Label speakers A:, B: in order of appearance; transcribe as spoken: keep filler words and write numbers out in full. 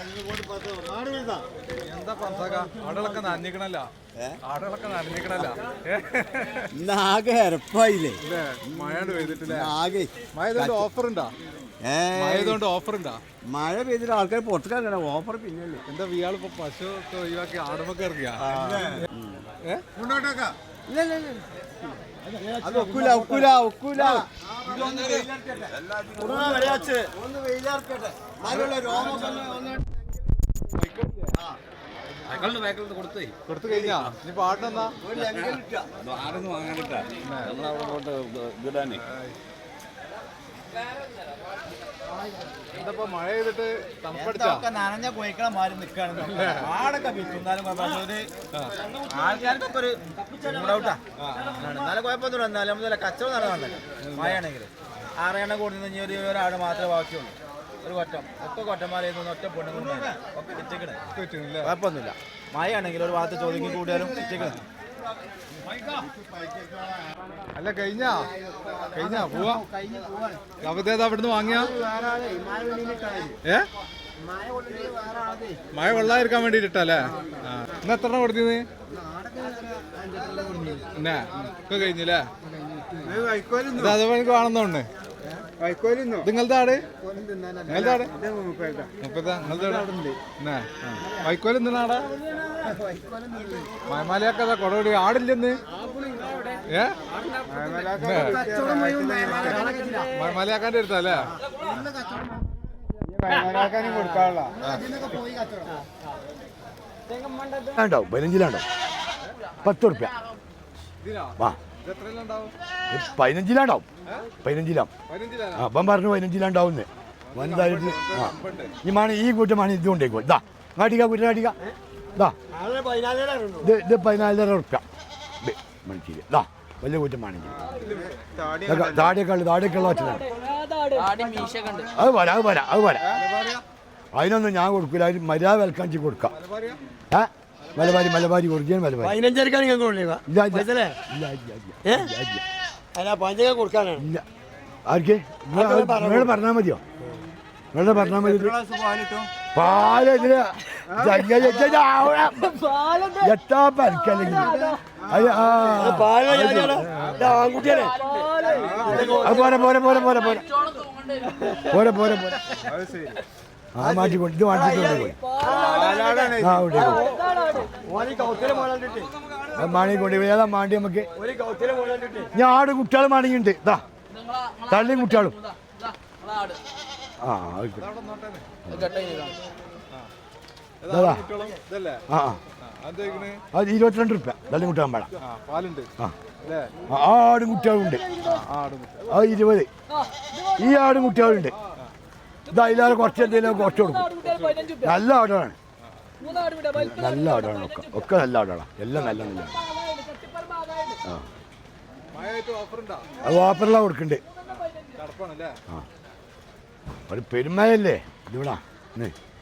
A: എന്താ പന്തക ആടുകളൊക്കെ നനഞ്ഞിക്കണല്ല ആടുകളൊക്കെ നനഞ്ഞിക്കണല്ല
B: ആകെ എരപ്പായില്ലേ
A: മഴ പെയ്തിട്ടില്ലേ
B: ആകെ
A: മഴ ഓഫർ ഉണ്ടാ മഴ ഓഫർ ഉണ്ടാ
B: മഴ പെയ്തിട്ട് ആൾക്കാർ പുറത്തേക്കാ ഓഫർ പിന്നെ
A: എന്താ ഇയാൾ ഇപ്പൊ പശു ഒക്കെ ഒഴിവാക്കി ആടുമൊക്കെ ഇറങ്ങിയാ
B: അത് ഒക്കൂല ഒക്കൂല ഒക്കൂല
A: കൊടുത്തു കഴിഞ്ഞാ നീ പാടിനെന്നാ
C: ആടൊന്നും വാങ്ങാനിട്ടാ നമ്മളവിടെ കൊണ്ട് ഇടാനേ
A: എന്താ മഴ ചെയ്തിട്ട് തണുപ്പടിച്ചാ
B: നനഞ്ഞ കോയിക്കളെ മാറി നിൽക്കുകയാണ് ആടൊക്കെ വിൽക്കുന്നാലും ആൾക്കാർക്കൊക്കെ ഒരു മൂടൗട്ടാ എന്നാലും കുഴപ്പമൊന്നും എന്നാലും നമ്മൾ കച്ചവടം നടന്നല്ല മഴയാണെങ്കിൽ ആറെണ്ണം കൂടുന്ന ഇനി ഒരു ഒരാട് മാത്രമേ ബാക്കിയുള്ളൂ ഒരു കൊറ്റം ഒക്കെ കൊറ്റന്മാരായിരുന്നു ഒറ്റ പൊണ്ണും ഒക്കെ വിറ്റിക്കണേ കുഴപ്പമൊന്നുമില്ല മഴയാണെങ്കിൽ ഒരു ഭാഗത്ത് ചോദിക്കും കൂടിയാലും വിറ്റിക്കണേ
A: അല്ല കഴിഞ്ഞാ കഴിഞ്ഞാ പോവാ കവിതേതാ അവിടുന്ന് വാങ്ങിയ ഏ മഴ വെള്ളായിരിക്കാൻ വേണ്ടിട്ടല്ലേ ഇന്ന് എത്ര കൊടുത്തത് എന്നാ ഒക്കെ കഴിഞ്ഞല്ലേ ഇത് അതുപോലെ എനിക്ക് കാണുന്നോണ്ട് നിങ്ങളുടെ ആട് നിങ്ങളുടെ ആട് മുപ്പത്താ നിങ്ങളുടെ എന്നാ വൈക്കോല് എന്തിനാടാ മയമാലയൊക്കെ അതാ കൊടപടി ആടില്ലെന്ന് ഏ മയമാലയാക്കാൻ്റെ അടുത്തല്ലേ
D: ഉണ്ടാവും പതിനഞ്ചിലാണ്ടോ പത്ത് ഉറുപ്പ്യ ആ പതിനഞ്ചിലാണ്ടാവും പതിനഞ്ചിലാം ആ അപ്പം പറഞ്ഞു പതിനഞ്ചിലാണ്ടാവുന്നേ വലുതായിട്ട് ആ ഈ മണി ഈ കൂട്ടമാണ് ഇത് കൊണ്ടേക്കോ ഇതാ കാട്ടിക്ക കുറ്റ കാട്ടിക്ക ഇതാ ഇത് ഇത് പതിനാലര ഉറുപ്പ്യ മണിക്കൂർ ഇതാ വലിയ കൂറ്റമാണെങ്കിൽ താടിയൊക്കെ ഉള്ളു താടിയൊക്കെ ഉള്ള വച്ചതാണ് അത് പോരാ അത് പോരാ അത് പോരാ അതിനൊന്നും ഞാൻ കൊടുക്കില്ല അതിന് മര്യാദ വിൽക്കാൻ കൊടുക്കാം ഏ മലബാരി മലബാരി ഒറിജിനൽ മലബാരി
B: പതിനഞ്ചരക്കാണ് ഞാൻ
D: ഇല്ല
B: കൊടുക്കാനാണ്
D: ഇല്ല ആർക്ക് നിങ്ങൾ പറഞ്ഞാൽ മതിയോ നിങ്ങൾ പറഞ്ഞാൽ മതി പാല് ഇതില് എത്താ പരിക്കല്ലെങ്കിൽ പോരെ പോരെ പോരെ പോരെ പോരെ പോരെ പോരെ പോരെ ആ മാറ്റിക്കൊണ്ട് ഇത് മാറ്റിക്കൊണ്ട് പോയി ആ മാണി കൊണ്ട് ഏതാ മാണ്ടി നമുക്ക് ഞാൻ ആട് കുട്ടികളും മാണിയുണ്ട് ഇതാ തള്ളിയും കുട്ടികളും ആ ആ അത് ഇരുപത്തിരണ്ട് റുപ്യ തള്ളി കുട്ടിയാൻ പാടാം ആടും കുട്ടികളുണ്ട് അത് ഇരുപത് ഈ ആടും കുട്ടികളുണ്ട് ഇത് അതിലേറെ കുറച്ച് എന്തെങ്കിലും കുറച്ച് കൊടുക്കും നല്ല ആടാണ് നല്ല ആടാണ് ഒക്കെ ഒക്കെ നല്ല ആടാണ് എല്ലാം നല്ല നല്ല ആ അത് ഓഫറെല്ലാം കൊടുക്കണ്ട് ആ ഒരു പെരുമയല്ലേ ഇതിവിടാ